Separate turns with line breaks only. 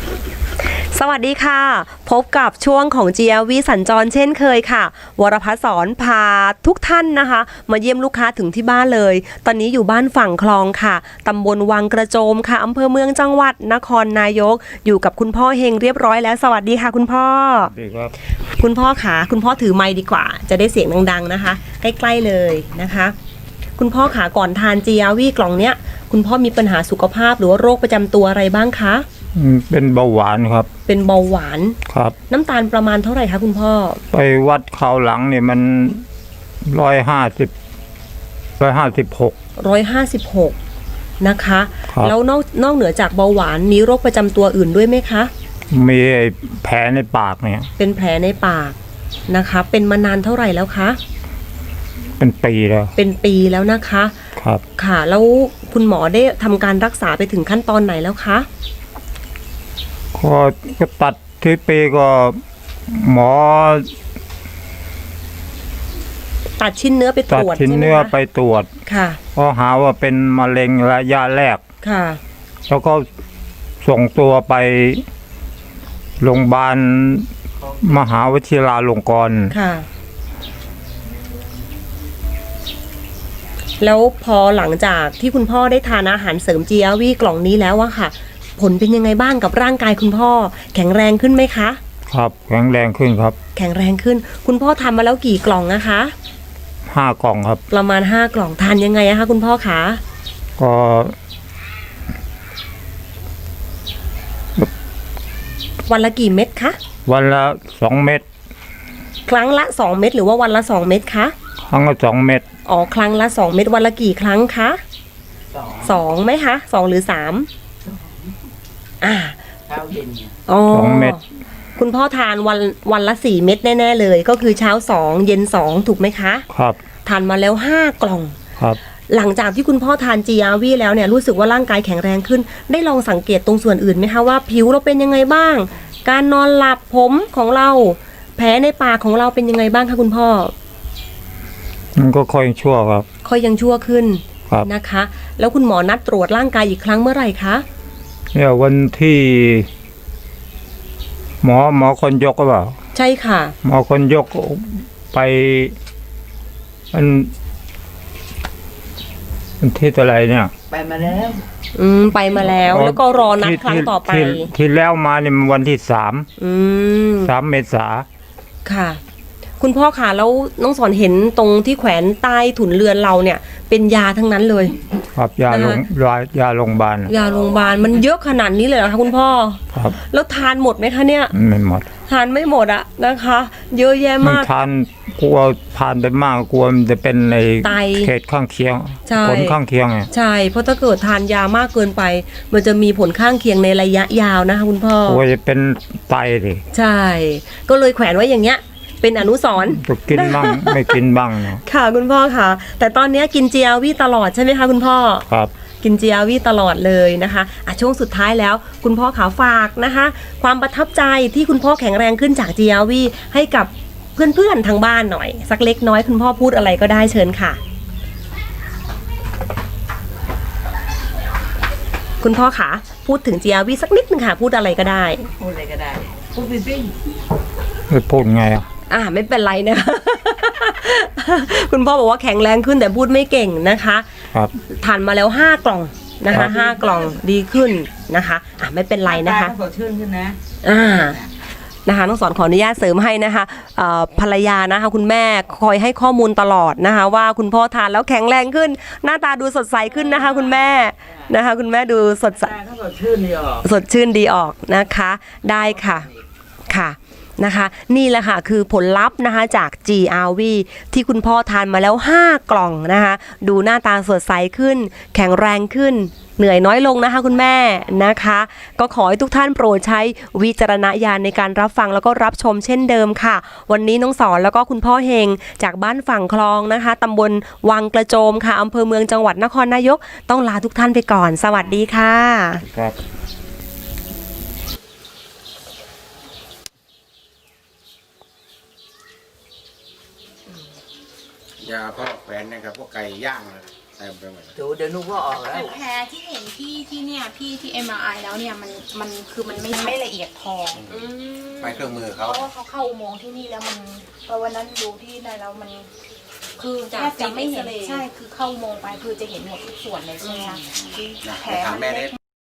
สวัสดีค่ะพบกับช่วงของ GLV สัญจรเช่นเคยค่ะวรพัฒน์สอนพาทุกท่านนะคะมาเยี่ยมลูกค้าถึงที่บ้านเลยตอนนี้อยู่บ้านฝั่งคลองค่ะตำบลวังกระโจมค่ะอำเภอเมืองจังหวัดนครนายกอยู่กับคุณพ่อเฮงเรียบร้อยแล้วสวัสดีค่ะคุณพ่อ
สวัสดีครับ
คุณพ่อขาคุณพ่อถือไมค์ดีกว่าจะได้เสียงดังๆนะคะใกล้ๆเลยนะคะคุณพ่อขาก่อนทาน GLV กล่องเนี้ยคุณพ่อมีปัญหาสุขภาพหรือว่าโรคประจำตัวอะไรบ้างคะ
เป็นเบาหวานครับ
เป็นเบาหวาน
ครับ
น้ำตาลประมาณเท่าไหร่คะคุณพ่อ
ไปวัดข่าวหลังเนี่ยมัน156
นะคะแล้วนอกเหนือจากเบาหวานมีโรคประจำตัวอื่นด้วยไหมคะ
มีแผลในปากเนี่ย
เป็นแผลในปากนะคะเป็นมานานเท่าไหร่แล้วคะ
เป็นปีแล้ว
เป็นปีแล้วนะคะ
ครับ
ค่ะแล้วคุณหมอได้ทำการรักษาไปถึงขั้นตอนไหนแล้วคะ
ก็ตัดที่ปีก็หมอ
ตัดชิ้นเนื้อไปตรวจ
ชิ้นเนื้อไปตรวจ
ค่ะ
ก็หาว่าเป็นมะเร็งระยะแรก
ค่ะ
แล้วก็ส่งตัวไปโรงพยาบาลมหาวชิราลงกรณ์
ค่ะแล้วพอหลังจากที่คุณพ่อได้ทานอาหารเสริม GLV กล่องนี้แล้วอะค่ะผลเป็นยังไงบ้างกับร่างกายคุณพ่อแข็งแรงขึ้นไหมคะ
ครับแข็งแรงขึ้นครับ
แข็งแรงขึ้นคุณพ่อทำมาแล้วกี่กล่องนะคะ
5 กล่องครับ
ประมาณ5 กล่องทานยังไงอะคะคุณพ่อคะ
ก็
วันละกี่เม็ดคะ
วันละ2 เม็ด
ครั้งละ2 เม็ดหรือว่าวันละ2 เม็ดคะ
ครั้งละ2 เม็ด
อ๋อครั้งละ2 เม็ดวันละกี่ครั้งคะ2ไหมคะ2หรือ3
เช้าเย็น
2 เม็ด
คุณพ่อทานวันละ4 เม็ดแน่ๆเลยก็คือเช้า2เย็น2ถูกไหมคะ
ครับ
ทานมาแล้ว5 กล่อง
ครับ
หลังจากที่คุณพ่อทาน GLV แล้วเนี่ยรู้สึกว่าร่างกายแข็งแรงขึ้นได้ลองสังเกตตรงส่วนอื่นไหมคะว่าผิวเราเป็นยังไงบ้างการนอนหลับผมของเราแผลในปากของเราเป็นยังไงบ้างคะคุณพ่อ
มันก็ค่อยชั่วครับ
ค่อยยังชั่วขึ้นนะคะแล้วคุณหมอนัดตรวจร่างกายอีกครั้งเมื่อไหร่คะ
เนี่ยวันที่หมอคนยกก็เปล่า
ใช่ค่ะ
หมอคนยกไปมันที่อะไรเนี่ย
ไปมาแล้ว
ไปมาแล้วแล้วก็รอนัดครั้งต่อไป
ที่แล้วมาเนี่ยวันที่3 เมษา
ค่ะคุณพ่อค่ะแล้วน้องสอนเห็นตรงที่แขวนใต้ถุนเรือนเราเนี่ยเป็นยาทั้งนั้นเลย
ครับยาโรงพยาบาล
ยาโรงพยาบาลมันเยอะขนาดนี้เลยเหรอคะคุณพ่อ
ครับ
แล้วทานหมดไหมคะเนี่ย
ไม่หมด
ทานไม่หมดอะนะคะเยอะแยะมาก
ทานกลัวทานไปมากกลัวมันจะเป็นในเขตข้างเคียงผลข้างเคียง
ใช่เพราะถ้าเกิดทานยามากเกินไปมันจะมีผลข้างเคียงในระยะยาวนะคะคุณพ่อก
ลัวจะเป็นไตดิ
ใช่ก็เลยแขวนไว้อย่างเงี้ยเป็นอนุสรณ์
กินบ้างไม่กินบ้าง
ค่ะคุณพ่อค่ะแต่ตอนนี้กิน GLV ตลอดใช่ไหมคะคุณพ่อ
ครับ
กิน GLV ตลอดเลยนะคะช่วงสุดท้ายแล้วคุณพ่อขาฝากนะคะความประทับใจที่คุณพ่อแข็งแรงขึ้นจาก GLV ให้กับเพื่อนๆทางบ้านหน่อยสักเล็กน้อยคุณพ่อพูดอะไรก็ได้เชิญค่ะคุณพ่อขาพูดถึง GLV สักนิดนึงค่ะพูดอะไรก็ได้
พูดอะไรก็ได้พูดสิ
ไม่พูดไง
ไม่เป็นไรนะ คุณพ่อบอกว่าแข็งแรงขึ้นแต่พูดไม่เก่งนะคะ
ครับ
ทานมาแล้ว5 กล่องนะคะ5 กล่องดีขึ้นนะคะไม่เป็นไรนะคะ
สดชื่นขึ้นนะ
นะคะน้องสอนขออนุญาตเสริมให้นะคะภรรยานะคะคุณแม่คอยให้ข้อมูลตลอดนะคะว่าคุณพ่อทานแล้วแข็งแรงขึ้นหน้าตาดูสดใสขึ้นนะคะคุณแม่นะคะคุณแม่ดูสดใส
สดชื่นดีออก
สดชื่นดีออกนะคะได้ค่ะค่ะนะคะนี่แหละค่ะคือผลลัพธ์นะคะจาก GLV ที่คุณพ่อทานมาแล้ว5 กล่องนะคะดูหน้าตาสดใสขึ้นแข็งแรงขึ้นเหนื่อยน้อยลงนะคะคุณแม่นะคะก็ขอให้ทุกท่านโปรดใช้วิจารณญาณในการรับฟังแล้วก็รับชมเช่นเดิมค่ะวันนี้น้องสอนแล้วก็คุณพ่อเฮงจากบ้านฝั่งคลองนะคะตำบลวังกระโจมค่ะอำเภอเมืองจังหวัดนครนายกต้องลาทุกท่านไปก่อนสวัสดีค่ะ
ครับ
ยาพวกแขวนนะครับพวกไก่ย่างเลยเต็มไปหมด
เดี๋ยวนุกก็ออกแล้ว
แต่แผลที่เห็นที่เนี่ยพี่ที่ MRI แล้วเนี่ยมันคือมันไม่ละเอียดพอ
ไม่เครื่องมือ
เพ
เขา
ราะว่าเขาเข้าอุโมงค์ที่นี่แล้วมันพอวันนั้นดูที่ได้แล้วมัน คือแทบจะไม่เห็นใช่คือเข้าอุโมงค์ไปคือจะเห็นหมดทุกส่วนเลยใช่ไหมคะ
นะ
แผล
ถาม
มัน
แม่
เล็
เล็
ก
ก